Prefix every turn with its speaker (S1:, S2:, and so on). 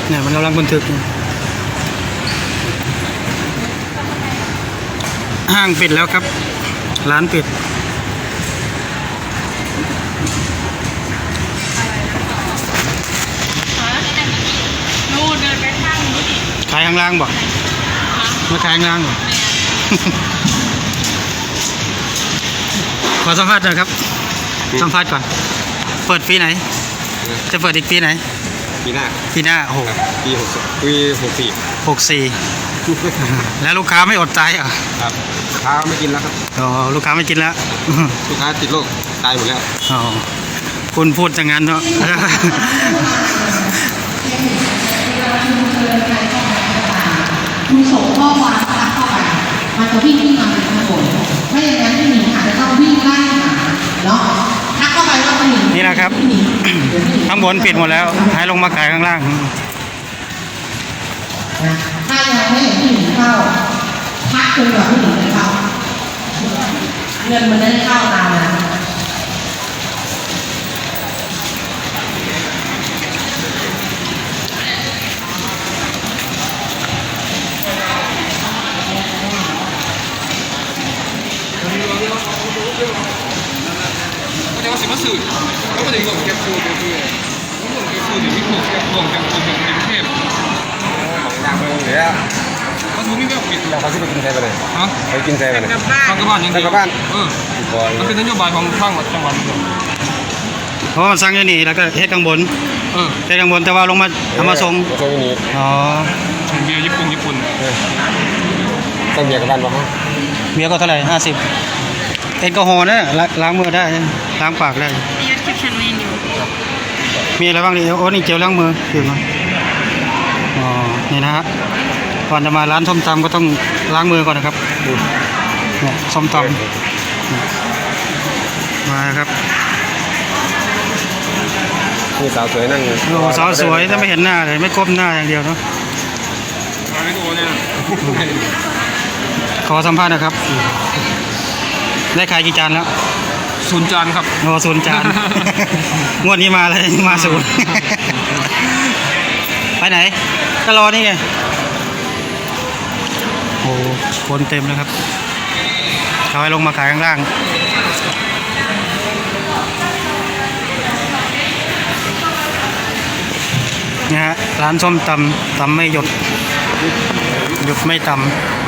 S1: เนี่ยมันกำลังบันทึกห้างปิดแล้วครับร้านปิด
S2: นู่นเดินไปข้างนู้นอีก
S1: ขายข้างล่างบอกมาขายข้างล่างบอกขอสัมภาษณ์หน่อยครับสัมภาษณ์ก่อนเปิดปีไหนจะเปิดอีกปีไหน
S3: ปีหน้า
S1: โอ้โห
S3: ปี
S1: 64แล้วลูกค้าไม่อดใจอ่ะ
S3: ครับลูกค้าไม่กินแล้วครับ
S1: อ๋อลูกค้าไม่กินแล้ว
S3: ลูกค้าติดโรคตายหมดแล้ว
S1: อ๋อคุณพูดอย่างนั้นเนาะ
S4: คุณส่งข้อความทักเข้าไปมันจะวิ่งขึ้นมาเป็นถนนไม่อย่างนั้นพี่หนิงอาจจะต้องวิ่งไล่หาเนาะทักเข้าไปว่าพี่หนิง
S1: นี่นะครับข้างบนปิดหมดแล้วให้ลงมาขายข้างล่าง
S4: ถ้ายังไม่เห็นพี่หนิงเข้าทักจนกว่าพี่หนิงจะเข้าเงินมันได้เข้าตามนะ
S3: ก็จะมาสิมาสื่อแล้วก็จะหลงแกฟูตัวด้วยหลงแกฟูเดี๋ยวมีหลงแกฟูอย่างกรุงเทพของดังเมืองเลยอ่ะมันรู้ไม่ปิดเราเขาจะไปกินแซ่บเลยฮะไปกินแซ่บเลยทางกระบานยังไงกระบานมันเป็นนโยบายของทางจังหวัด
S1: เพราะมันสร้างอย่างนี้แล้วก็เฮ็ดข้างบนเฮ็ดข้างบนแต่ว่าลงมาทำมาส่ง
S3: นี้
S1: อ๋อ
S3: เบียร์ญี่ปุ่นต้องเบียร์กระบานป่ะฮะ
S1: เบียร์ก็เท่าไหร่50แอลกอฮอล์นะล้างมือได้ล้างปากได้มีอะไรบ้างนี่โอ้นี่เจลล้างมือคือมาอ๋อนี่นะฮะก่อนจะมาร้านส้มตำก็ต้องล้างมือก่อนนะครับส้มตำมาครับ
S3: นี่สาวสวยนั่ง
S1: โอ้สาวสวยถ้าไม่เห็นหน้าเลยไม่ก้มหน้าอย่างเดียวเนาะขอสัมภาษณ์นะครับได้ขายกี่จานแล้ว
S3: 0 จานครับ
S1: โอ้0 จานงวดนี้มาเลยมา0ไปไหนก็รอนี่ไงโอ้คนเต็มเลยครับเขาให้ลงมาขายข้างล่างนี่ฮะร้านส้มตำไม่หยุดไม่ตำ